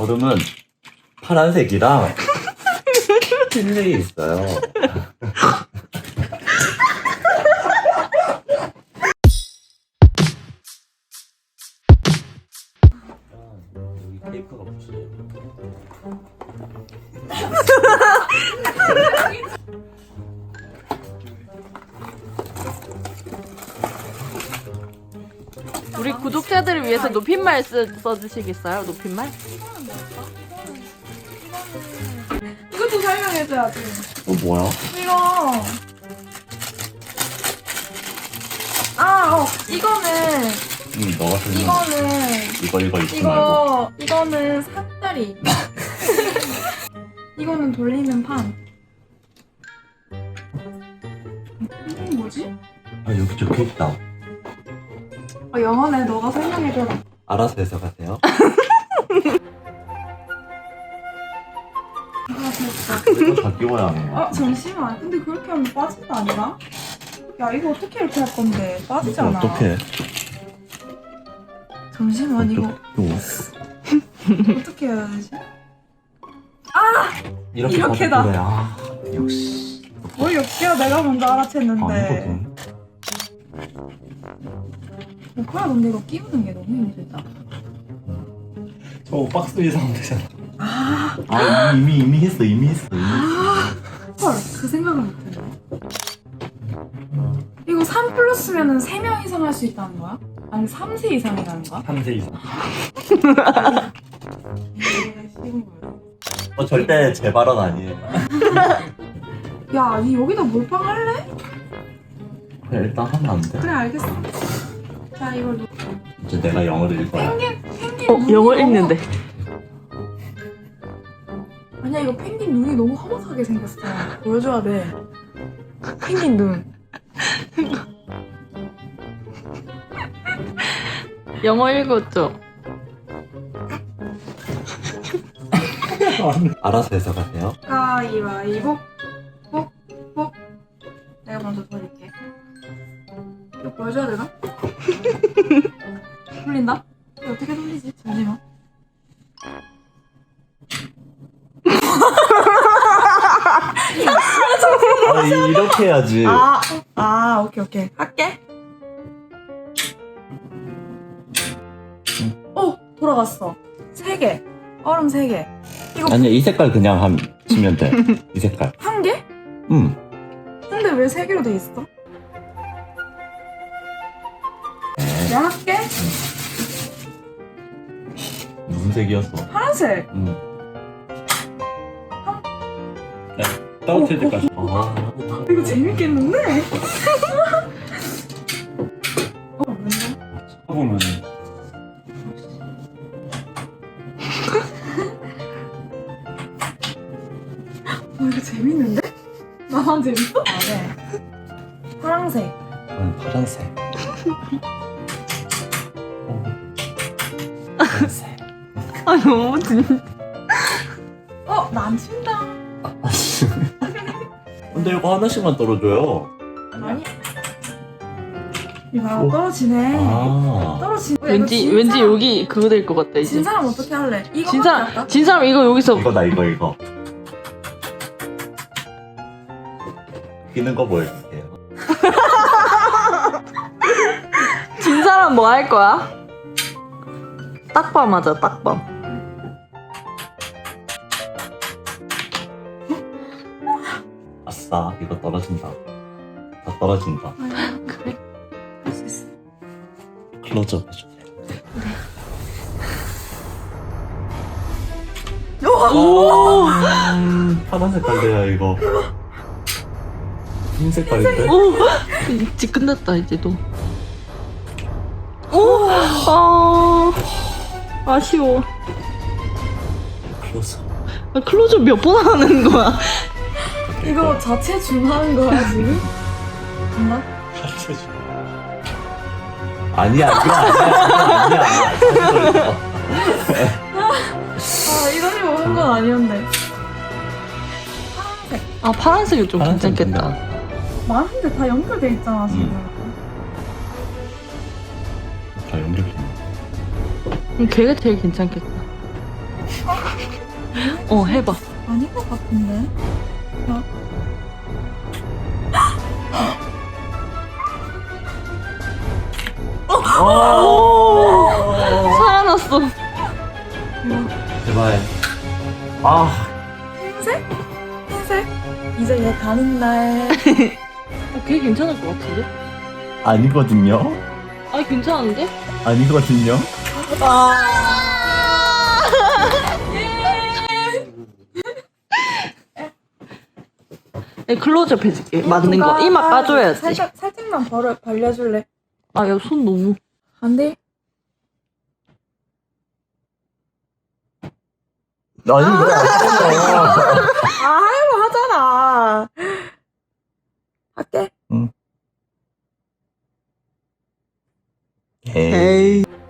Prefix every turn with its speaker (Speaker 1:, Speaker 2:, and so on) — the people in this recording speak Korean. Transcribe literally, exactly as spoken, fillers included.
Speaker 1: 얼음은 파란색이랑 흰색이 있어요. 여기 테이프가 붙여져.
Speaker 2: 우리 구독자들을 위해서 높임말 쓰, 써주시겠어요? 높임말?
Speaker 3: 이것도 설명해줘야지.
Speaker 1: 어 뭐야?
Speaker 3: 이거. 아, 어, 이거는,
Speaker 1: 응, 너가 설명.
Speaker 3: 이거는,
Speaker 1: 이거 이거 잊지 말고.
Speaker 3: 이거, 이거는 삿다리. 이거는 돌리는 판. 이건 뭐지?
Speaker 1: 아 여기 적혀 있다.
Speaker 3: 어, 영어네. 너가 설명해줘라.
Speaker 1: 알아서 해석하세요.
Speaker 3: 아, 됐다.
Speaker 1: 이거 다 끼워야 하는 거야.
Speaker 3: 아, 잠시만. 근데 그렇게 하면 빠진 거 아니야? 야, 이거 어떻게 이렇게 할 건데? 빠지잖아.
Speaker 1: 어떻게?
Speaker 3: 잠시만, 이거 어떻게 해야 되지?
Speaker 1: 이렇게
Speaker 3: 이렇게다.
Speaker 1: 받을 거야. 아, 역시.
Speaker 3: 뭘 역시야, 내가 먼저 알아챘는데.
Speaker 1: 아니거든.
Speaker 3: 오빠야, 근데 이거 끼우는 게 너무 힘들다.
Speaker 1: 저 박스 위에서 하면 되잖아.
Speaker 3: 아,
Speaker 1: 아 이미 이미 했어 이미 했어 이미 했어.
Speaker 3: 헐, 그 생각을 못했네. 이거 삼 플러스면은 세 명 이상 할 수 있다는 거야? 아니 삼 세 이상이라는 거야?
Speaker 1: 삼 세 이상.
Speaker 3: 이게 쉬운 거야.
Speaker 1: 어 절대 제 발언 아니에요.
Speaker 3: 야, 니 여기다 몰빵 할래?
Speaker 1: 그래 일단 하면 안 돼?
Speaker 3: 그래, 알겠어. 자, 이걸 놓...
Speaker 1: 이제 내가 영어를 읽어야.
Speaker 3: 펭귄, 펭귄
Speaker 2: 어,
Speaker 3: 눈이
Speaker 2: 영어
Speaker 3: 너무-
Speaker 2: 읽는데.
Speaker 3: 아니야, 이거 펭귄 눈이 너무 험악하게 생겼어. 보여줘야 돼. 펭귄 눈.
Speaker 2: 영어 읽었죠?
Speaker 1: 알아서 해석하세요.
Speaker 3: 가위바위보. 복, 복. 내가 먼저 돌릴게. 이거 보여줘야 되나? 돌린다? 이거 어떻게 돌리지? 잠시만.
Speaker 1: 아 이렇게 해야지.
Speaker 3: 아, 아, 오케이, 오케이. 할게. 오, 돌아갔어. 세 개. 얼음 세 개. 이거
Speaker 1: 아니야 이 색깔 그냥 함 치면 돼. 이 색깔.
Speaker 3: 한 개?
Speaker 1: 응.
Speaker 3: 근데 왜 세 개로 돼 있어? 내가 할게.
Speaker 1: 무슨 색이었어?
Speaker 3: 파란색.
Speaker 1: 응. 따뜻할 때까지. 아.
Speaker 3: 이거 재밌겠는데? 어, 뭔데?
Speaker 1: 보면
Speaker 3: 어, 이거 재밌는데? 나만 재밌어? 아, 네. 파란색.
Speaker 1: 응, 파란색. 어. 파란색.
Speaker 2: 아, 너무 진짜.
Speaker 3: 어, 나 안 친다.
Speaker 1: 근데 이거 하나씩만 떨어져요.
Speaker 3: 아니. 이거 떨어지네.
Speaker 1: 아.
Speaker 3: 떨어지네.
Speaker 2: 왠지, 왠지 여기 그거 될 것 같다,
Speaker 3: 진
Speaker 2: 이제.
Speaker 3: 사람 어떻게 할래? 이거
Speaker 2: 진
Speaker 3: 할까?
Speaker 2: 사람, 진 사람 이거 여기서.
Speaker 1: 이거다 이거 이거. 끼는 거 보여줄게요.
Speaker 2: 진 사람 뭐 할 거야? 딱밤 하자, 딱밤.
Speaker 1: 아싸 이거 떨어진다. 다 떨어진다.
Speaker 2: 그래.
Speaker 3: 할 수 있어.
Speaker 1: 클로즈업 해주세요.
Speaker 2: 오!
Speaker 1: 음, 파란 색깔이야 이거. 흰 색깔인데?
Speaker 2: 오! 이제 끝났다, 이제 너. 오! 아, 아쉬워.
Speaker 1: 클로즈.
Speaker 2: 아, 클로즈업 몇 번 하는 거야?
Speaker 3: 이거 자체 중하는 거야 지금? 정말?
Speaker 1: 아니야 이거 아니야 이거 아니야.
Speaker 3: 아, 이거 가지고 한 건 아니었는데. 파란색.
Speaker 2: 아, 파란색이 좀
Speaker 1: 파란색
Speaker 2: 괜찮겠다.
Speaker 3: 많은데 다 연결돼 있잖아 지금.
Speaker 1: 다 연결돼.
Speaker 2: 음, 걔가 제일 괜찮겠다.
Speaker 3: 아,
Speaker 2: 어, 해봐.
Speaker 3: 아닌 것 같은데?
Speaker 2: 살아났어.
Speaker 1: 제발. 아,
Speaker 3: 흰색? 흰색? 이제 얘 가는 날.
Speaker 2: 어, 걔 괜찮을 것 같은데?
Speaker 1: 아니거든요.
Speaker 2: 아니, 괜찮은데?
Speaker 1: 아니거든요.
Speaker 2: 네, 클로즈업 해줄게. 맞는 거. 이마 까줘야지.
Speaker 3: 살짝, 살짝만 벌어, 벌려줄래?
Speaker 2: 아, 야, 손 너무.
Speaker 3: 안 돼?
Speaker 1: 아니, 왜
Speaker 3: 아, 하려고 하잖아. 할게.
Speaker 1: 에이.
Speaker 2: 에이.